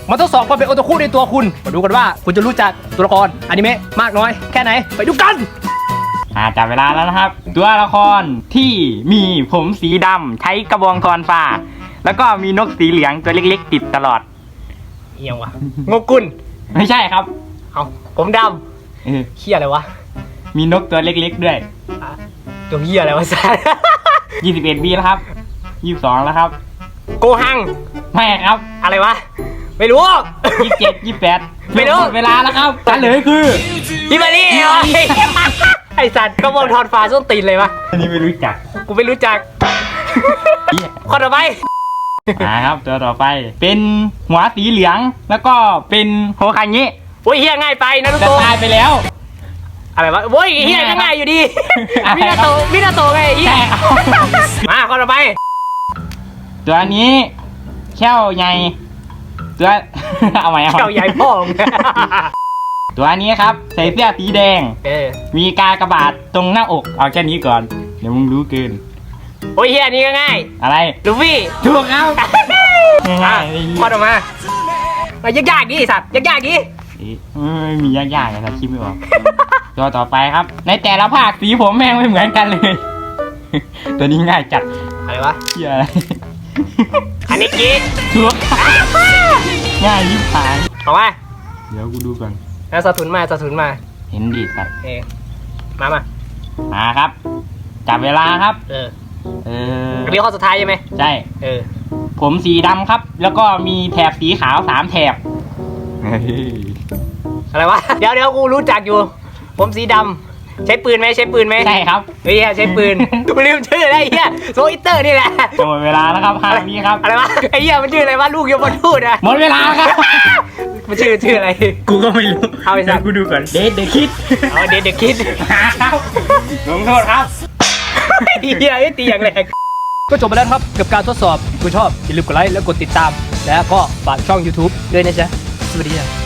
มาทดสอบความเป็นโอตาคุในตัวคุณมาดูกันว่าคุณจะรู้จักตัวละครอนิเมะมากน้อยแค่ไหนไปดูกันจับเวลาแล้วนะครับตัวละครที่มีผมสีดำใช้กระบองทอนฟ้าแล้วก็มีนกสีเหลืองตัวเล็กๆติดตลอดเอียงวะงกุลไม่ใช่ครับเอาผมดำเหี้ยอะไรวะมีนกตัวเล็กๆด้วยตัวเหี้ยอะไรวะสัส 21 ปีแล้วครับ22แล้วครับโกหังไม่ครับอะไรวะไม่รู้ 27 28 ไม่รู้เวลาแล้วครับเฉลยคือฮิมารีไอสัตว์ก็มองทอนฟ้าส้นตีนเลยวะอันนี้ไม่รู้จักกูไม่รู้จักคนต่อไปครับตัวต่อไปเป็นหัวสีเหลืองแล้วก็เป็นโฮคางิโอ้ยเฮียง่ายไปนะทุกคนตายไปแล้วอะไรวะโอ้ยเฮียก็ง่ายอยู่ดีมินาโตไงเฮียมาคนต่อไปตัวนี้แค่วใหญ่ตัวเอาไหมแค่วใหญ่พ่องตัวนี้ครับใส่เสื้อสีแดงมีกากบาทตรงหน้าอกเอาแค่นี้ก่อนเดี๋ยวมึงรู้เกินโอ้ยเฮียนี่ก็ง่ายอะไรลูฟี่ถูกครับง่ายข้อต่อมายากๆดิสัตว์ยากๆดิไม่มียากๆเลยนะคิดไม่ออกตัวต่อไปครับในแต่ละภาคสีผมแม่งไม่เหมือนกันเลยตัวนี้ง่ายจัดอะไรวะเหี้ยอะไรอันนี้กี้ถูกง่ายยิ่งผายเอามาเดี๋ยวกูดูก่อนแล้วสะทุนมาเห็นดีสัตว์มาครับจับเวลาครับอันนี้ข้อสุดท้ายใช่ไหมใช่ผมสีดำครับแล้วก็มีแถบสีขาว3แถบอะไรวะเดี๋ยวกูรู้จักอยู่ผมสีดำใช้ปืนไหมใช่ครับเฮ้ยใช้ปืนกูลืมชื่ออะไรเฮียโซอิเตอร์นี่แหละหมดเวลาแล้วครับ5 วิครับอะไรวะไอ้เฮียมันชื่ออะไรวะลูกยมทูตนะหมดเวลาครับมันชื่ออะไรกูก็ไม่รู้เอาไปสักกูดูก่อนเดดคิดเดดคิดครับลงโทษครับเฮียตีอย่างแรงก็จบไปแล้วครับกับการทดสอบคุณชอบอย่าลืมกดไลค์แล้วกดติดตามแล้วก็ฝากช่อง YouTube ด้วยนะจ๊ะสวัสดี